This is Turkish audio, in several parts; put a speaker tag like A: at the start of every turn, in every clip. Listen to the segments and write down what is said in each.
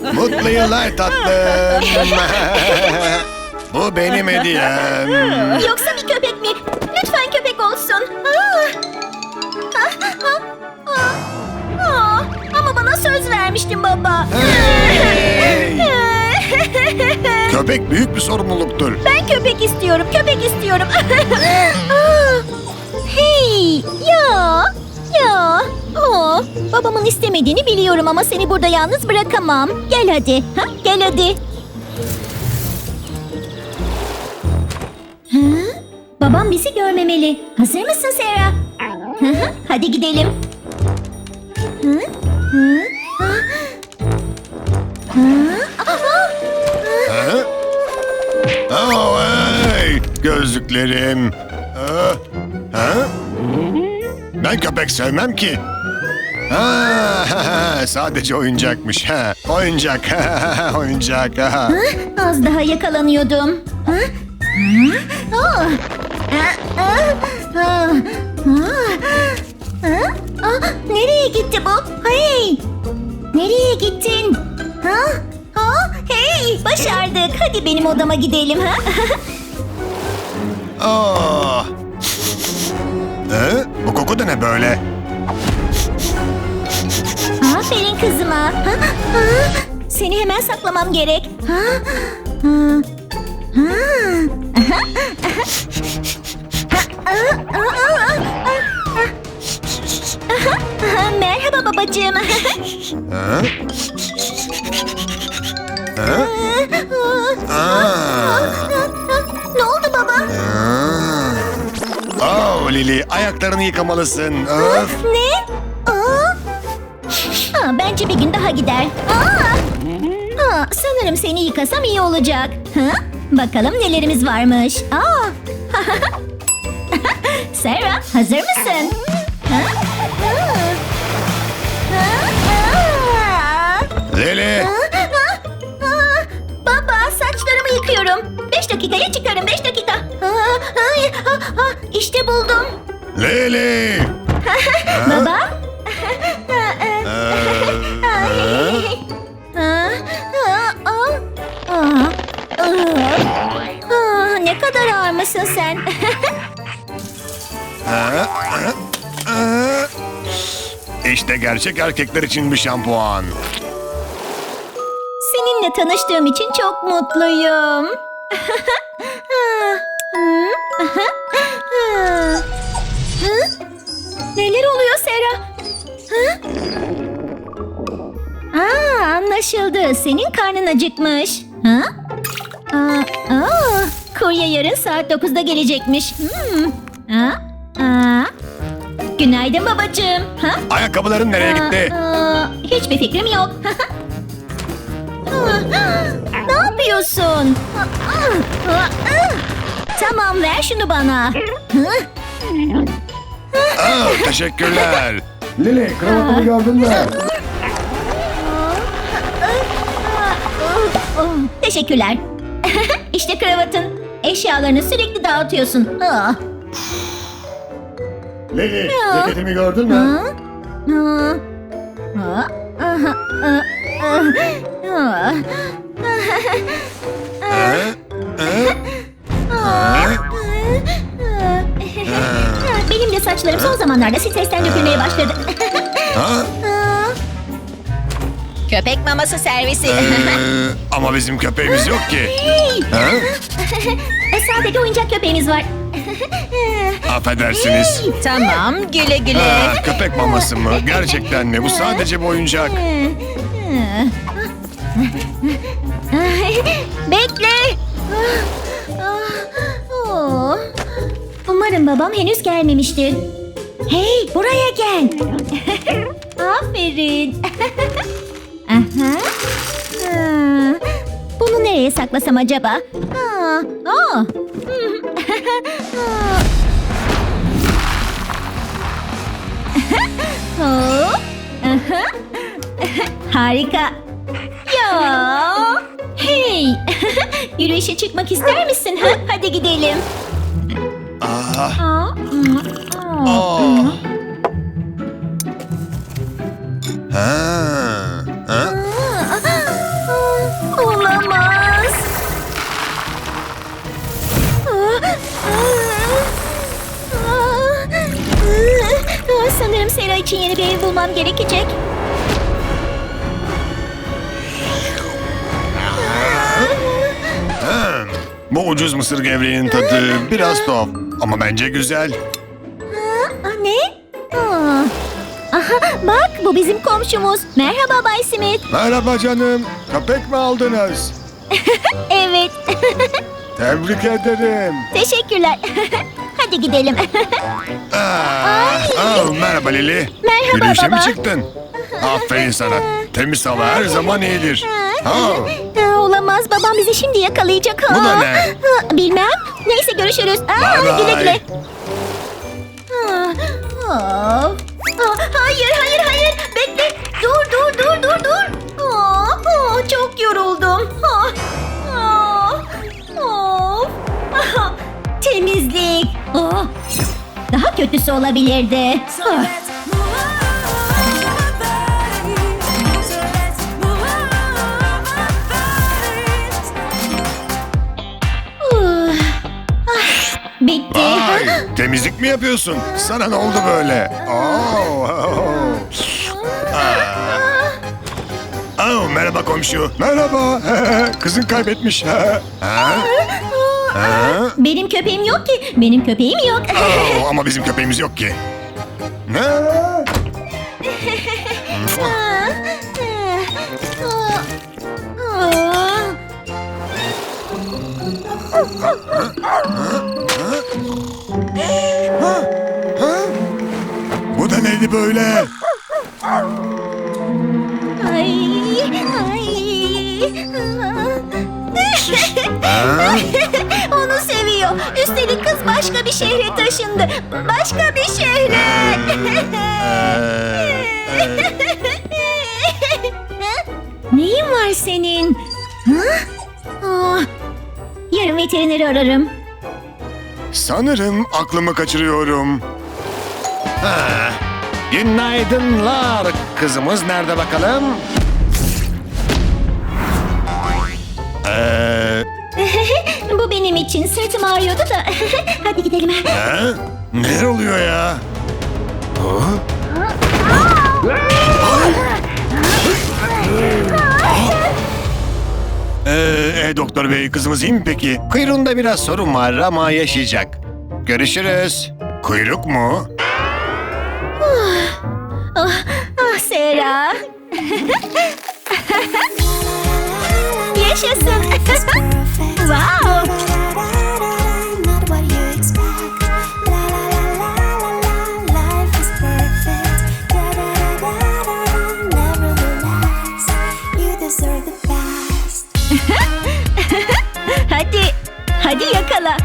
A: Mutlu yıllar tatlım. Bu benim hediyem.
B: Yoksa bir köpek mi? Lütfen köpek olsun. Ama bana söz vermiştin baba.
A: Hey! Köpek büyük bir sorumluluktur.
B: Ben köpek istiyorum, köpek istiyorum. Hey, ya. Babamın istemediğini biliyorum ama seni burada yalnız bırakamam. Gel hadi, gel hadi. Babam bizi görmemeli. Hazır mısın Sarah? Hadi gidelim.
A: Oh, hey! Gözlüklerim. Ben köpek sevmem ki. Sadece oyuncakmış. Oyuncak. Oyuncak.
B: Az daha yakalanıyordum. Nereye gitti bu? Hey! Nereye gittin? Hey! Başardık. Hadi benim odama gidelim.
A: Oh. Bu koku da ne böyle?
B: Aferin kızıma. Seni hemen saklamam gerek. Merhaba babacığım. Ne oldu baba?
A: Oh Lili, ayaklarını yıkamalısın. Öf.
B: Ne? Bence bir gün daha gider. Sanırım seni yıkasam iyi olacak. Bakalım nelerimiz varmış. Sarah, hazır mısın?
A: Lili.
B: Baba, saçlarımı yıkıyorum. 5 dakikaya çıkarım, 5 dakika. İşte buldum.
A: Lili.
B: Baba? Ne kadar ağırmışsın sen.
A: İşte gerçek erkekler için bir şampuan.
B: Seninle tanıştığım için çok mutluyum. Neler oluyor Sarah? Anlaşıldı. Senin karnın acıkmış. Kurye yarın saat 9'da gelecekmiş. Günaydın babacığım.
A: Ayakkabıların nereye gitti?
B: Hiçbir fikrim yok. Ne yapıyorsun? Tamam, ver şunu bana.
A: Teşekkürler.
C: Lili, kravatımı gördün mü?
B: Teşekkürler. İşte kravatın. Eşyalarını sürekli dağıtıyorsun.
C: Lili, ceketimi gördün mü?
B: Benim de saçlarım son zamanlarda stresten dökülmeye başladı. Köpek maması servisi.
A: Ama bizim köpeğimiz yok ki.
B: Sadece oyuncak köpeğimiz var.
A: Affedersiniz.
B: Tamam, güle güle.
A: Köpek maması mı? Gerçekten mi? Bu sadece bir oyuncak.
B: Bekle. Umarım babam henüz gelmemiştir. Hey, buraya gel. Aferin. Bunu nereye saklasam acaba? Harika. Ya. Hey. Yürüyüşe çıkmak ister misin? Hadi gidelim. için yeni bir ev bulmam gerekecek.
A: Bu ucuz mısır gevreğinin tadı biraz tuhaf ama bence güzel.
B: Ne? Aha, bak bu bizim komşumuz. Merhaba Bay Smith.
C: Merhaba canım. Köpek mi aldınız?
B: Evet.
C: Tebrik ederim.
B: Teşekkürler. Hadi gidelim.
A: Merhaba Lili.
B: Merhaba
A: Yürüyüşe mi
B: baba.
A: çıktın? Aferin sana. Temiz hava her zaman iyidir.
B: Olamaz, babam bizi şimdi yakalayacak.
A: Bu da ne?
B: Bilmem. Neyse görüşürüz.
A: Bye bye.
B: Güle güle. Hayır, hayır, hayır. Bekle. Dur. Çok yoruldum. Temizlik. Daha kötüsü olabilirdi. Bitti.
A: Vay, temizlik mi yapıyorsun? Sana ne oldu böyle? Merhaba komşu.
C: Merhaba. Kızın kaybetmiş.
B: Benim köpeğim yok ki. Benim köpeğim yok.
A: Ama bizim köpeğimiz yok ki. Ne?
C: Bu da neydi böyle?
B: Onu seviyor. Üstelik kız başka bir şehre taşındı. Başka bir şehre. Neyin var senin? Yarın veterineri ararım.
A: Sanırım aklımı kaçırıyorum. Günaydınlar. Kızımız nerede bakalım?
B: Bu benim için. Sırtım ağrıyordu da. Hadi gidelim.
A: Ne oluyor ya? Doktor bey, kızımız iyi mi peki? Kuyruğunda biraz sorun var ama yaşayacak. Görüşürüz. Kuyruk mu?
B: Sera. Yaşasın. Wow.
D: Not what you expect. La la la la la la, life is perfect. Da da da da da, never relax. You deserve the best.
B: Hadi yakala.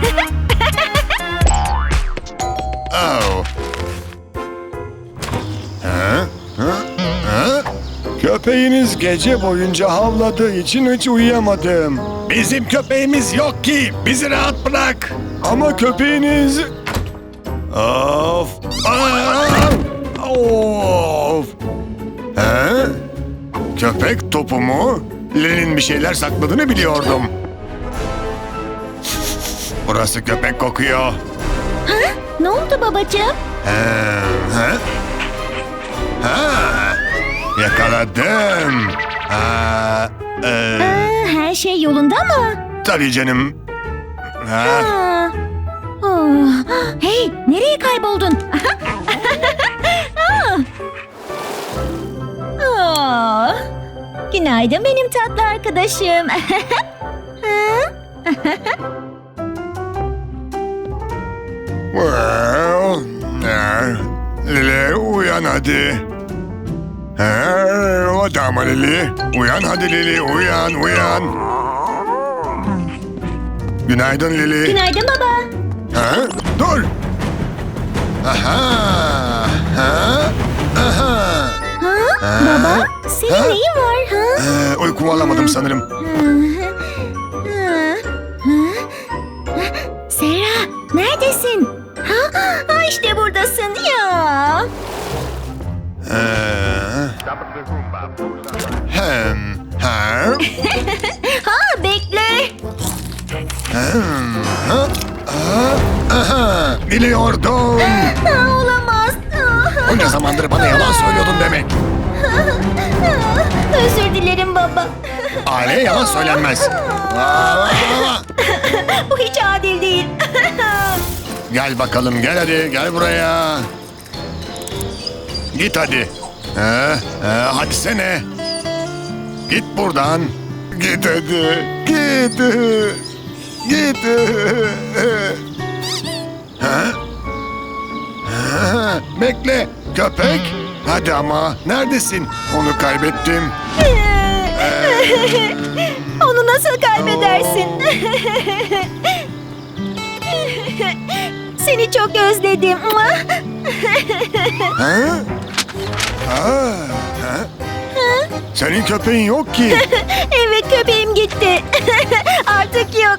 C: Köpeğiniz gece boyunca havladığı için hiç uyuyamadım.
A: Bizim köpeğimiz yok ki. Bizi rahat bırak.
C: Ama köpeğiniz...
A: Of. Of. Köpek topu mu? Lenin bir şeyler sakladığını biliyordum. Burası köpek kokuyor.
B: Ne oldu babacığım?
A: Yakaladım.
B: Her şey yolunda mı?
A: Tabii canım.
B: Hey, nereye kayboldun? Günaydın benim tatlı arkadaşım.
A: Lili uyan hadi. O da mı Lili? Uyan hadi Lili, uyan. Günaydın Lili.
B: Günaydın baba.
A: Dur.
B: Baba, senin neyin var?
A: Uykumu alamadım sanırım.
B: Sera, neredesin? İşte buradasın ya. Bekle.
A: Biliyordum.
B: Olamaz.
A: O Bunca zamandır bana yalan söylüyordun demek.
B: Özür dilerim baba.
A: Aileye yalan söylenmez.
B: Bu hiç adil değil.
A: Gel bakalım, gel hadi, gel buraya. Git hadi. Hadi sene. Git buradan. Git hadi. Git. Git. Bekle, köpek. Hadi ama, neredesin? Onu kaybettim.
B: Onu nasıl kaybedersin? Seni çok özledim.
A: Senin köpeğin yok ki.
B: Evet, köpeğim gitti. Artık yok.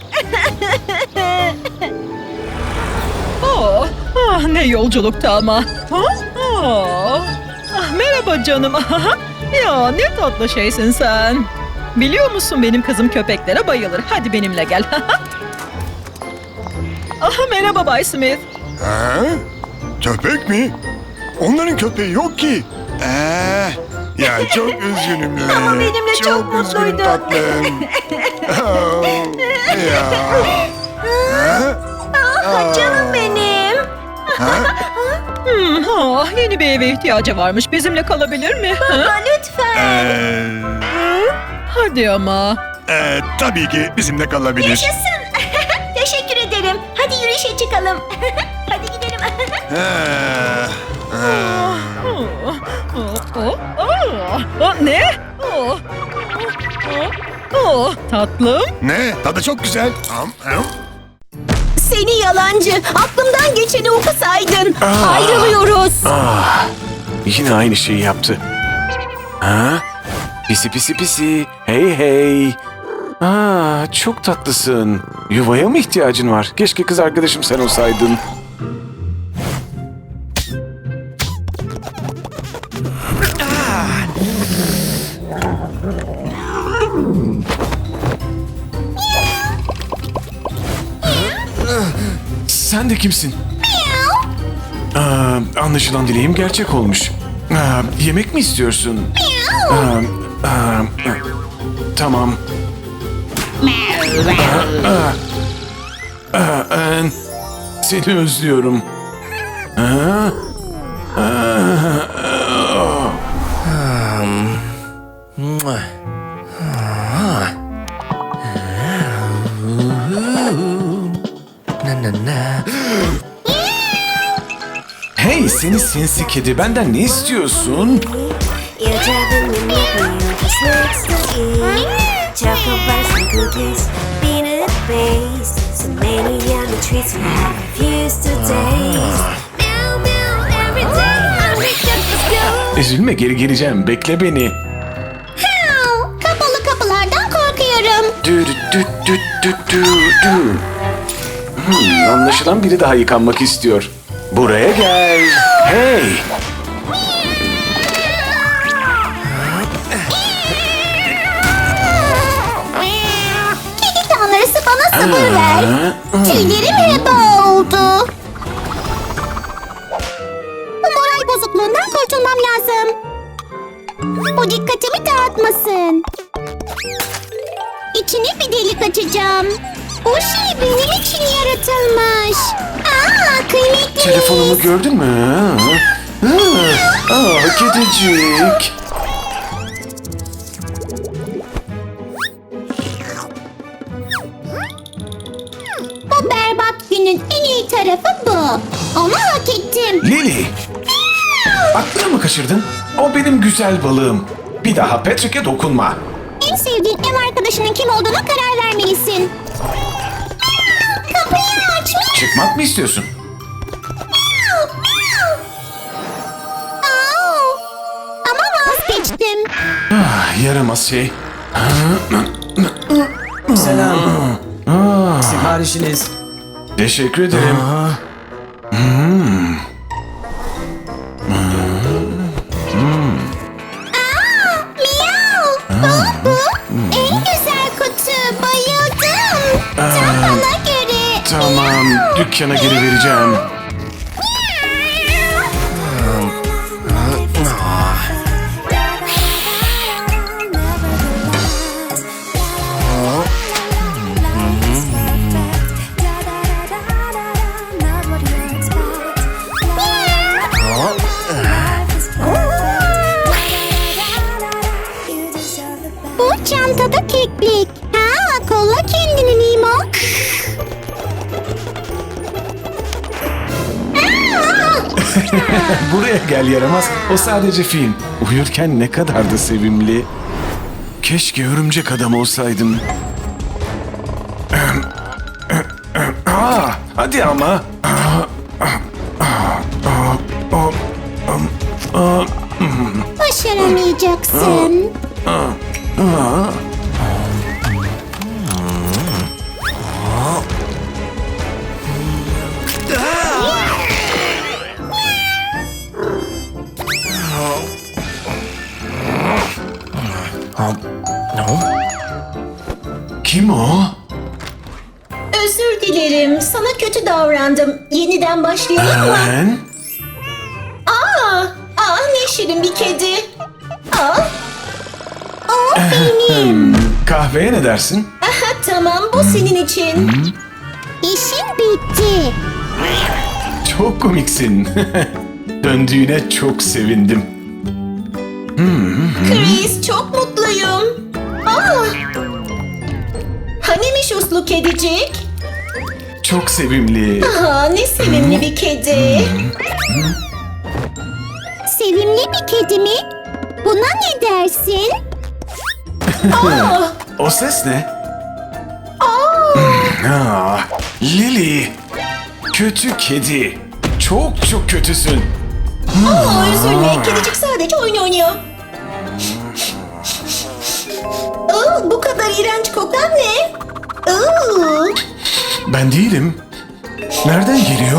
E: Ne yolculuktu ama. Merhaba canım. Ya ne tatlı şeysin sen. Biliyor musun benim kızım köpeklere bayılır. Hadi benimle gel. Merhaba Bay Smith.
A: Köpek mi? Onların köpeği yok ki. Ya çok üzgünüm Lale.
B: Ama benimle çok
A: üzgünüm
B: mutluydu.
A: tatlım. Ya.
B: Canım benim.
E: Yeni bir eve ihtiyacı varmış. Bizimle kalabilir mi?
B: Baba lütfen.
E: Hadi ama.
A: Tabii ki bizimle kalabilir.
B: Yaşasın. Teşekkür ederim. Hadi yürüyüşe çıkalım. Hadi gidelim.
E: Ne? Tatlım.
A: Ne? Tadı çok güzel.
B: Seni yalancı. Aklımdan geçeni okusaydın. Ayrılıyoruz.
F: Yine aynı şeyi yaptı. Pisi pisi pisi. Hey hey. Çok tatlısın. Yuvaya mı ihtiyacın var? Keşke kız arkadaşım sen olsaydın. Sen de kimsin? Anlaşılan dileğim gerçek olmuş. Yemek mi istiyorsun? Tamam. Seni özlüyorum. Hey seni sinsi kedi, benden ne istiyorsun?
D: You're driving me mad, just next to eat. Chocolate bars and cookies, peanut paste. So many yummy treats we have refused to taste. Meow meow every day, hungry just go.
F: Üzülme, geri geleceğim, bekle beni.
B: Kapalı kapılardan korkuyorum.
F: Dü dü dü dü dü dü. Anlaşılan biri daha yıkanmak istiyor. Buraya gel. Hey.
B: Kedi tanrısı bana sabır ver. Tüylerim heba oldu. Bu moral bozukluğundan kurtulmam lazım. Bu dikkatimi dağıtmasın. İçine bir delik açacağım. Bu şey benim için yaratılmış. Kıymetli.
F: Telefonumu gördün mü? Kedicik.
B: Bu berbat günün en iyi tarafı bu. Onu hak ettim.
F: Lily. Aklını mı kaçırdın? O benim güzel balığım. Bir daha Patrick'e dokunma.
B: En sevdiğin ev arkadaşının kim olduğuna karar vermelisin. Kapıyı aç.
F: Çıkmak mı istiyorsun?
B: Ama vazgeçtim.
F: Yaramaz şey.
G: Selam. Siparişiniz.
F: Teşekkür ederim.
B: En güzel kutu. Bayıldım. Tam bana göre.
F: Tamam, dükkana geri vereceğim.
B: Bu çantada keklik. Ha, kolla kendini Nemo.
F: Buraya gel yaramaz. O sadece film. Uyurken ne kadar da sevimli. Keşke örümcek adam olsaydım. Hadi ama.
B: Başaramayacaksın.
F: Kim o?
G: Özür dilerim. Sana kötü davrandım. Yeniden başlayalım mı?
F: Ben?
G: Ne şirin bir kedi.
F: Kahveye ne dersin?
G: Tamam, bu senin için.
B: İşin bitti.
F: Çok komiksin. Döndüğüne çok sevindim.
G: Chris, çok mutluyum. Hanimiş uslu kedicik?
F: Çok sevimli.
G: Ne sevimli bir kedi.
B: Sevimli bir kedi mi? Buna ne dersin?
F: O ses ne? Lily. Kötü kedi. Çok çok kötüsün.
G: Üzülme, kedicik sadece oyun oynuyor. Bu kadar iğrenç kokan ne?
F: Ben değilim. Nereden geliyor?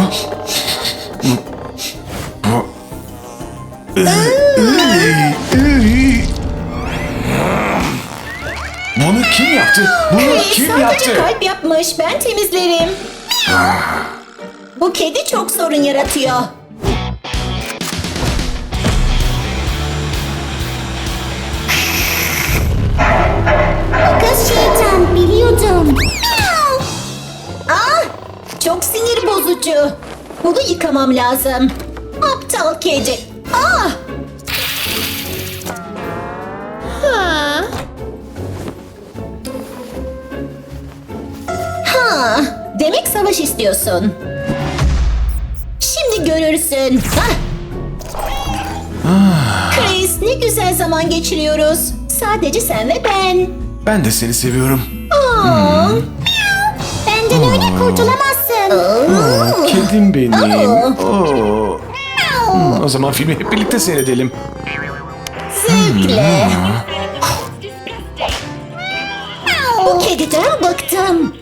F: Bunu kim yaptı? Bunu kim
G: Sadece
F: yaptı?
G: kalp yapmış, ben temizlerim. Bu kedi çok sorun yaratıyor.
B: Kız şeytan, biliyordum.
G: Çok sinir bozucu. Bunu yıkamam lazım. Aptal kedi. Demek savaş istiyorsun. Şimdi görürsün. Chris, ne güzel zaman geçiriyoruz. Sadece sen ve ben.
F: Ben de seni seviyorum.
B: Benden öyle kurtulamazsın.
F: Kedim benim. Oo. O zaman filmi hep birlikte seyredelim.
G: Zevkle. Bu kediden bıktım.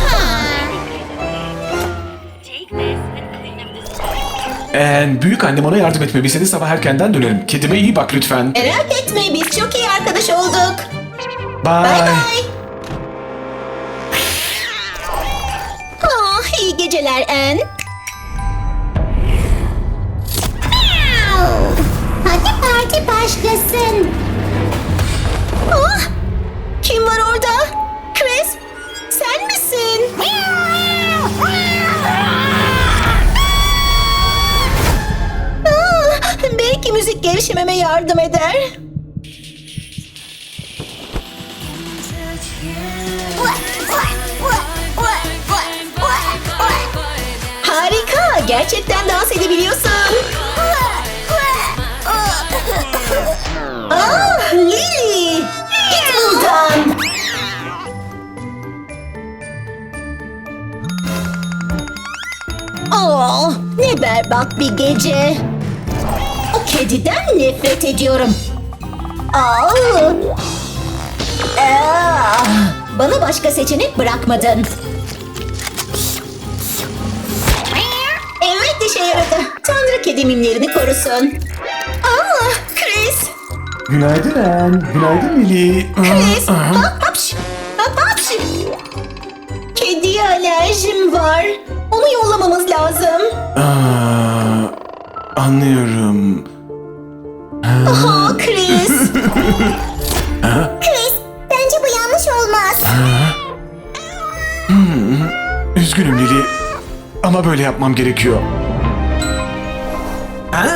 F: Büyük annem ona yardım etmemi istedi, sabah erkenden dönerim. Kedime iyi bak lütfen.
G: Merak etme, biz çok iyi arkadaş olduk.
F: Bye.
G: Bay bay. İyi geceler Anne.
B: Hadi parti başlasın.
G: Kim var orada? Chris, sen misin? Belki müzik gevşememe yardım eder. Harika, gerçekten dans edebiliyorsun. Lily, git buradan. Ne berbat bir gece. O kediden nefret ediyorum. Bana başka seçenek bırakmadın. Evet, işe yaradı. Tanrı kedi mimlerini korusun. Chris.
F: Günaydın Anne. Günaydın Lily.
G: Chris. Hapş. Hapş. Kediye alerjim var. Onu yollamamız lazım.
F: Anlıyorum.
G: Chris.
B: Chris, bence bu yanlış olmaz.
F: Üzgünüm Lily. Ama böyle yapmam gerekiyor.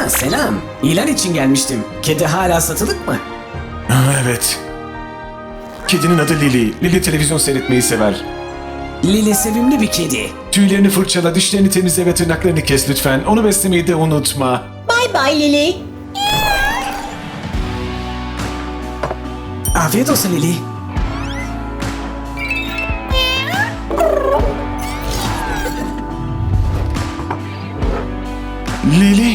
H: Selam. İlan için gelmiştim. Kedi hala satılık mı?
F: Evet. Kedinin adı Lily. Lily televizyon seyretmeyi sever.
H: Lili sevimli bir kedi.
F: Tüylerini fırçala, dişlerini temizle ve tırnaklarını kes lütfen. Onu beslemeyi de unutma.
G: Bay bay Lili.
H: Afiyet olsun Lili.
F: Lily?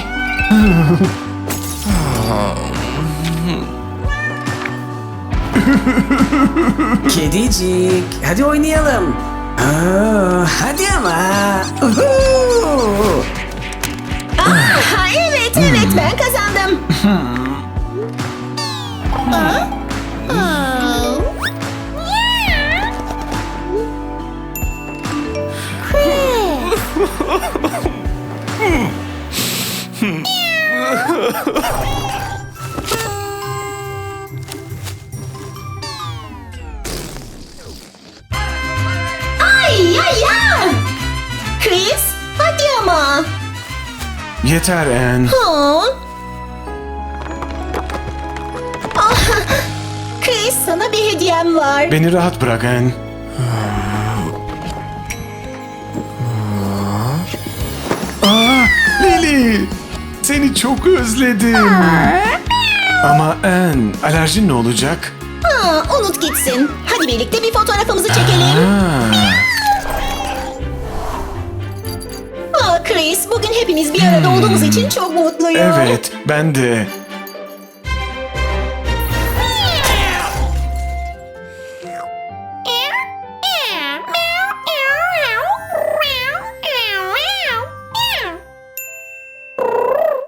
H: Kedicik, hadi oynayalım. Hadi ama. Uhu!
G: Ha, evet ben kazandım. Ay ay ay. Chris, hadi ama.
F: Yeter Anne.
G: Chris, sana bir hediyem var.
F: Beni rahat bırak Anne. Lily! Seni çok özledim. Ama Anne, alerjin ne olacak?
G: Unut gitsin. Hadi birlikte bir fotoğrafımızı çekelim. Chris, bugün hepimiz bir arada olduğumuz için çok mutluyum.
F: Evet, ben de.